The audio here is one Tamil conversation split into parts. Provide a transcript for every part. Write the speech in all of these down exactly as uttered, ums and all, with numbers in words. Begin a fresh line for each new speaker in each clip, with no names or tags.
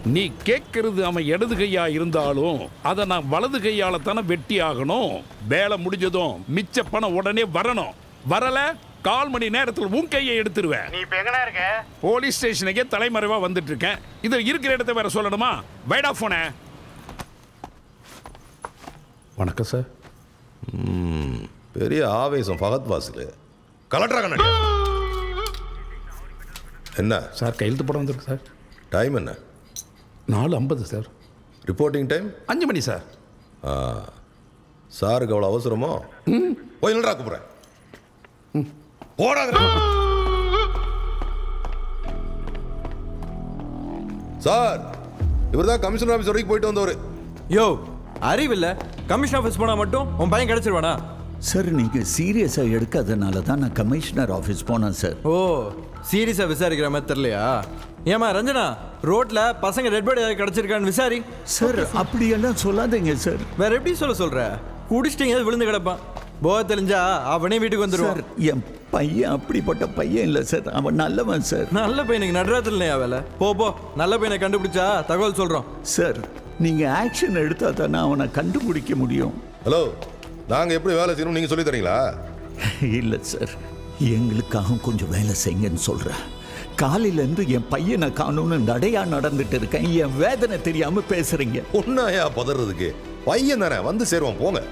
நீ கேட்கறது அவன் இடது கையா இருந்தாலும் அதை நான் வலது கையால தானே வெட்டி ஆகணும். வேலை முடிஞ்சதும் மிச்ச பணம் உடனே வரணும். வரல கால் மணி நேரத்தில் உன் கையை எடுத்துருவேன்.
நீ இப்ப எங்கடா இருக்க?
போலீஸ் ஸ்டேஷனுக்கே தலைமறைவா வந்துட்டு இருக்கேன். இது இருக்கிற இடத்த வேற சொல்லணுமா? வைடா போன. வணக்கம் சார்.
பெரிய ஆவேசம் ஃபகத் வாசல். கலெக்டரா கண்ணாடி என்ன
சார் கையெழுத்து போட வந்திருக்கு சார்.
டைம் என்ன?
நாலு ஐம்பது சார்.
ரிப்போர்ட்டிங் டைம்
அஞ்சு மணி சார்.
சாருக்கு அவ்வளோ அவசரமோ? போய் நின்றா கூப்பிட்றேன். போடாங்க சார். இவர் தான் கமிஷனர் ஆஃபீஸ் வரைக்கும் போயிட்டு வந்தவர்.
யோ அறிவில்ல, கமிஷன் ஆஃபீஸ் போனா மட்டும் உன் பையன் கிடைச்சிருவானா?
சார் நீங்கள் சீரியஸாக எடுக்காதனால தான் நான் கமிஷனர் ஆஃபீஸ் போனேன் சார்.
ஓ சீரியஸா விசாரிக்கிற மாதிரி தெரியலையா? ஏமா ரஞ்சனா, ரோட்ல பசங்க ரெட் பாடி கிடைச்சிருக்கான்னு விசாரி.
சார் அப்படியெல்லாம் சொல்லாதீங்க சார்.
வேற எப்படி சொல்ல சொல்ற? குடிச்சிட்டீங்க விழுந்து கிடப்பான். போக தெரிஞ்சா அவனே வீட்டுக்கு வந்துருவான்.
சார் என் பையன் அப்படிப்பட்ட பையன் இல்லை சார். அவன் நல்லவன் சார்.
நல்ல பையனுக்கு நடுராத்திரி இல்லையா வேலை? போ போ, நல்ல பையனை கண்டுபிடிச்சா தகவல் சொல்றோம்.
சார் நீங்கள் ஆக்ஷன் எடுத்தால் தானே அவனை கண்டுபிடிக்க முடியும்.
ஹலோ, நாங்கள் எப்படி வேலை செய்யணும் நீங்கள் சொல்லி தரீங்களா?
இல்லை சார், எங்களுக்காக கொஞ்சம் வேலை செய்யுங்கன்னு சொல்கிறேன். காலையிலேருந்து என் பையனை காணும்னு நடையா நடந்துட்டு இருக்கேன். என் வேதனை தெரியாமல் பேசுகிறீங்க.
ஒன்னாயா பதறதுக்கு? பையன் தானே, வந்து சேருவான் போங்க.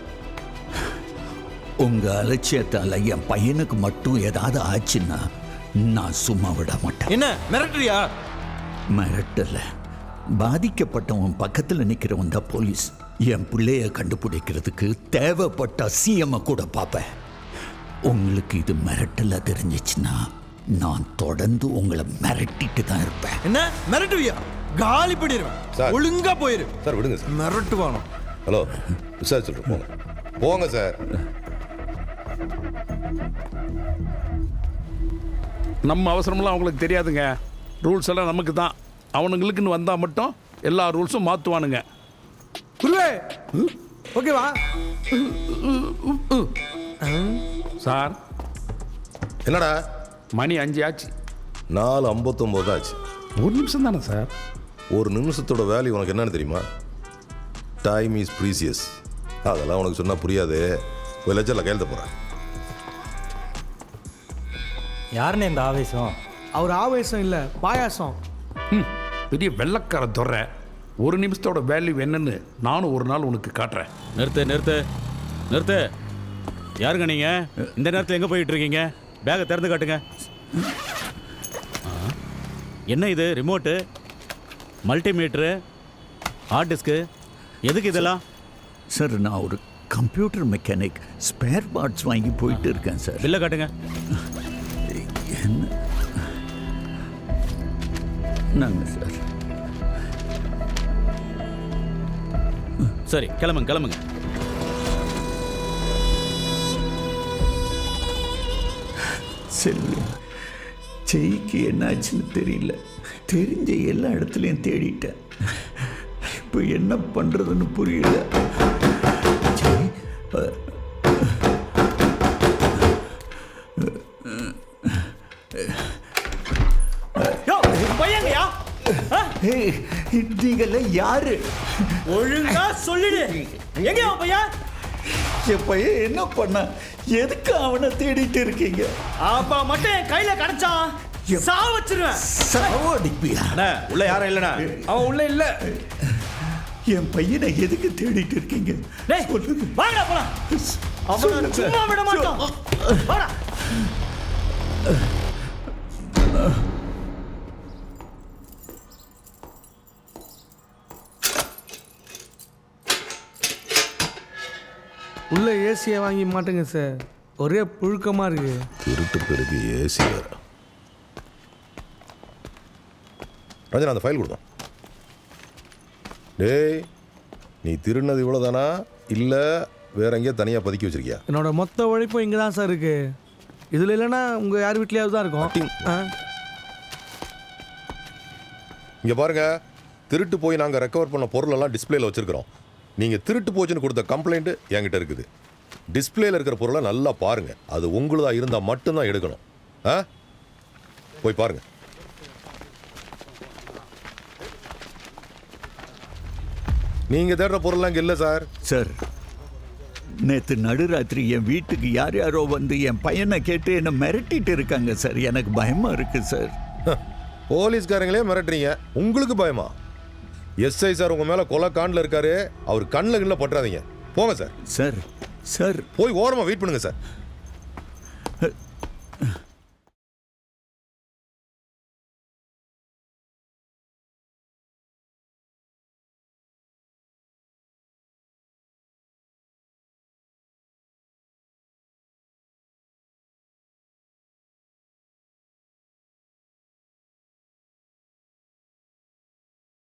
உங்க அலட்சியத்தால என் பையனுக்கு மட்டும் ஏதாவது ஆச்சுன்னா நான் சும்மா விட மாட்டேன்.
என்ன மிரட்டுறியா?
மிரட்டல, பாதிக்கப்பட்டவன் பக்கத்தில் நிற்கிறவன் தான் போலீஸ். என் பிள்ளைய கண்டுபிடிக்கிறதுக்கு தேவைப்பட்ட சிஎம் கூட பார்ப்பேன். உங்களுக்கு இது மிரட்டல தெரிஞ்சிச்சுன்னா நான் தொடர்ந்து உங்களை மிரட்டிட்டு தான் இருப்பேன்.
என்ன மிரட்டுவியா? காலி பண்ணிடுவேன்.
சார்.
ஒழுங்கா போயிரு.
சார் விடுங்க சார்.
மிரட்டுவானோ?
ஹலோ, விசாரிச்சுட்டு போங்க போங்க சார்.
நம்ம அவசரமெல்லாம் அவங்களுக்கு தெரியாதுங்க. ரூல்ஸ் எல்லாம் நமக்கு தான். அவனுங்களுக்குன்னு வந்தால் மட்டும் எல்லா ரூல்ஸும் மாற்றுவானுங்க.
குருவே ஓகேவா?
சார்
என்னடா
மணி அஞ்சு ஆச்சு.
நாலு ஐம்பத்தொம்போது ஆச்சு.
ஒரு நிமிஷம் தானே சார்.
ஒரு நிமிஷத்தோட வேல்யூ உனக்கு என்னன்னு தெரியுமா? Time is precious. அதெல்லாம் உனக்கு சொன்னால் புரியாது. ஒரு லட்சத்தில் கையெழுத்த போகிறேன்.
யாருன்னு இந்த ஆவேசம்?
அவர் ஆவேசம் இல்லை, பாயாசம்.
ம், பெரிய வெள்ளக்கார துறை. ஒரு நிமிஷத்தோட வேல்யூ என்னன்னு நானும் ஒரு நாள் உனக்கு காட்டுறேன்.
நிறுத்து நிறுத்து நிறுத்து. யாருங்க நீங்கள்? இந்த நேரத்தில் எங்கே போயிட்டு இருக்கீங்க? பேகை திறந்து காட்டுங்க. என்ன இது? ரிமோட்டு, மல்டிமீட்ரு, ஹார்ட் டிஸ்க்கு, எதுக்கு இதெல்லாம்?
சார் நான் ஒரு கம்ப்யூட்டர் மெக்கானிக். ஸ்பேர் பார்ட்ஸ் வாங்கி போயிட்டு இருக்கேன் சார்.
பில்லை காட்டுங்க.
என்ன நாங்கள் சார்.
சரி கிளம்புங்க கிளம்புங்க.
செல்வம் செய்க்கு என்னாச்சுன்னு தெரியல. தெரிஞ்ச எல்லா இடத்துலையும் தேடிட்டேன். இப்போ என்ன பண்ணுறதுன்னு புரியல. நீங்கள யாரு?
ஒழுங்கா சொல்லிடு. எங்க அவன் பையன்?
என் பையன் என்ன பண்ண? எதுக்கு அவனை தேடிட்டு இருக்கீங்க?
அப்பா மட்டும் என் கையில கிடைச்சான் சாவ வச்சிருவேன்.
சாவடிப்பியா?
உள்ள யாரும் இல்லைண்ணா.
அவன் உள்ள இல்ல.
என் பையனை எதுக்கு தேடிட்டு இருக்கீங்க?
வாங்கடா போலாம். அவனை சும்மா விட மாட்டான். வாடா.
உள்ள ஏசியை வாங்கி மாட்டேங்க சார், ஒரே புழுக்கமா இருக்கு.
திருட்டு பெருக்கு ஏசி வேற. ரஞ்சனா அந்த ஃபைல் கொடுத்தோம். டேய், நீ திருநது இவ்வளோதானா இல்லை வேற எங்கேயா தனியாக பதுக்கி வச்சிருக்கியா?
என்னோட மொத்த உழைப்பும் இங்கே தான் சார் இருக்கு. இதில் இல்லைன்னா உங்கள் யார் வீட்லையாவது தான் இருக்கும்.
இங்கே பாருங்க, திருட்டு போய் நாங்கள் ரெக்கவர் பண்ண பொருளெல்லாம் டிஸ்பிளேல வச்சிருக்கிறோம். நீங்கள் திருட்டு போச்சுன்னு கொடுத்த கம்ப்ளைண்ட்டு என்கிட்ட இருக்குது. டிஸ்பிளேல இருக்கிற பொருளை நல்லா பாருங்க. அது உங்களுதா இருந்தால் மட்டும்தான் எடுக்கணும். ஆ போய் பாருங்க. நீங்க தேடுற பொருள்லாம் இங்க இல்ல சார்.
சார் நேற்று நடுராத்திரி என் வீட்டுக்கு யார் யாரோ வந்து என் பையனை கேட்டு என்னை மிரட்டிட்டு இருக்காங்க சார். எனக்கு பயமா இருக்கு சார்.
போலீஸ்காரங்களே மிரட்டுறீங்க, உங்களுக்கு பயமா? எஸ்ஐ சார் உங்க மேல கொலை காண்டில் இருக்காரு. அவர் கண்ணில் கண்ணில் பற்றாதீங்க. போங்க சார்.
சார் சார்
போய் ஓரமா வெயிட் பண்ணுங்க சார்.